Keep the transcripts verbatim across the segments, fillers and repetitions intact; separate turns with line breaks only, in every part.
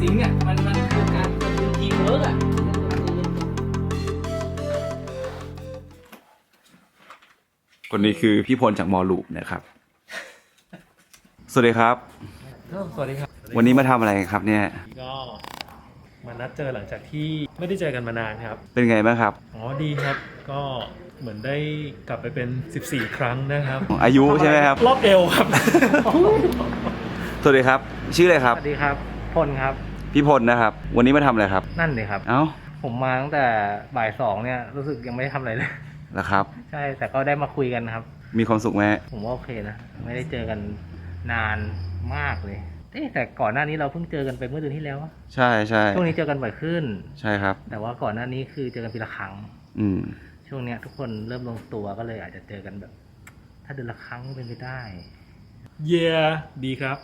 ซิงค์อ่ะมันมันคือการมันคือทีมเวิร์กอ่ะ
คนนี้คือพี่พลจากมอลูปนะครับสวัสดีครับ
สวัสดีครับ
วันนี้มาทำอะไรครับเนี่ย
ก็มานัดเจอหลังจากที่ไม่ได้เจอกันมานานครับ
เป็นไงบ้างครับ
อ๋อดีครับก็เหมือนได้กลับไปเป็นสิบสี่ครั้งนะครับ
อายุใช่ไหมครับ
รอบเอวครับ
สวัสดีครับชื่ออะไรครับ
สวัสดีครับพลครับ
พี่พลนะครับวันนี้มาทำอะไรครับ
นั่นเลยครับ
เอ้า
ผมมาตั้งแต่บ่ายสองเนี่ยรู้สึกยังไม่ได้ทำอะไรเลย
นะครับ
ใช่แต่ก็ได้มาคุยกันครับ
มีความสุขไหม
ผมว่าโอเคนะไม่ได้เจอกันนานมากเลยแต่ก่อนหน้านี้เราเพิ่งเจอกันไปเมื่อเดือนที่แล้ว
ใช่ใช่
ช่วงนี้เจอกันบ่อยขึ้น
ใช่ครับ
แต่ว่าก่อนหน้านี้คือเจอกันปีละครั้ง
อืม
ช่วงเนี้ยทุกคนเริ่มลงตัวก็เลยอาจจะเจอกันแบบถ้าเดือนละครั้งเป็นไปได้
เย่ดีครับ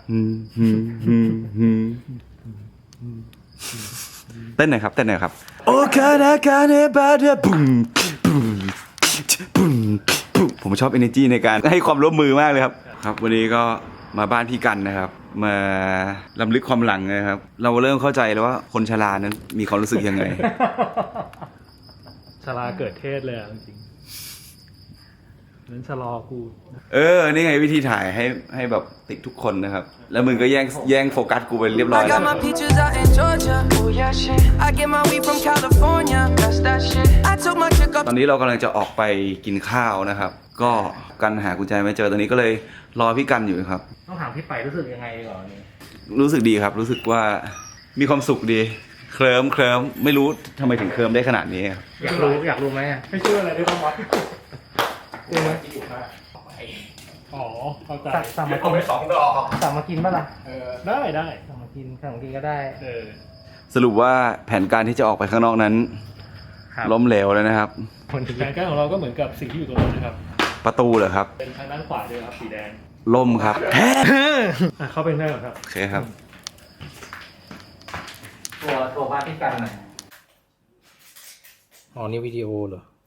เต้นหน่อยครับเต้นหน่อยครับโอคานาคาเนบาเดบุมบุมบุมบุมผมชอบ energy ในการให้ความร่วมมือมากเลยครับครับวันนี้ก็มาบ้านพี่กันนะครับมาล้ำลึกความหลังนะครับเราเริ่มเข้าใจแล้วว่าคนชรานั้นมีความรู้สึกยังไง
ชราเกิดเทศเลยจริงนั้นชะลอกู
เออนี่ไงวิธีถ่ายให้ให้แบบติดทุกคนนะครับแล้วมึงก็แย่งแย่งโฟกัสกูไปเรียบร้อยแล้วตอนนี้เรากำลังจะออกไปกินข้าวนะครับก็กันหากุญแจไม่เจอตอนนี้ก็เลยรอพี่กันอยู่ครับ
ต้องถามพี่ไปรู้สึกยังไงก่อนนี่
รู้สึกดีครับรู้สึกว่ามีความสุขดีเคลิ้มเคลิ้มไม่รู้ทำไมถึงเคลิ้มได้ขนาดนี้ครับ
อยากรู้อยากรู้ไหม
ไม่เชื่ออะไรได้บ้างวะรู้ไหมอ๋อเข้าใจ
สั่งมากินสองดอกสั่งมากินป่ะล่ะ
เออได้ได้
สั่งมากินสั่งมากินก็ได้
เออ
สรุปว่าแผนการที่จะออกไปข้างนอกนั้นล้มเหลวเลยนะครับ
แผนการของเราก็เหมือนกับสิ่งที่อยู่ตรงนั้นนะครับ
ประตูเหรอครับ
เป็นทางด้านขวาเลยครับสีแดง
ล่มครับ
เข้าไปได้หรอครับ
โอเคครับ
ตัวตัวบ้านพี่กันหน่อยอ๋อนี่วิดีโอเหรอ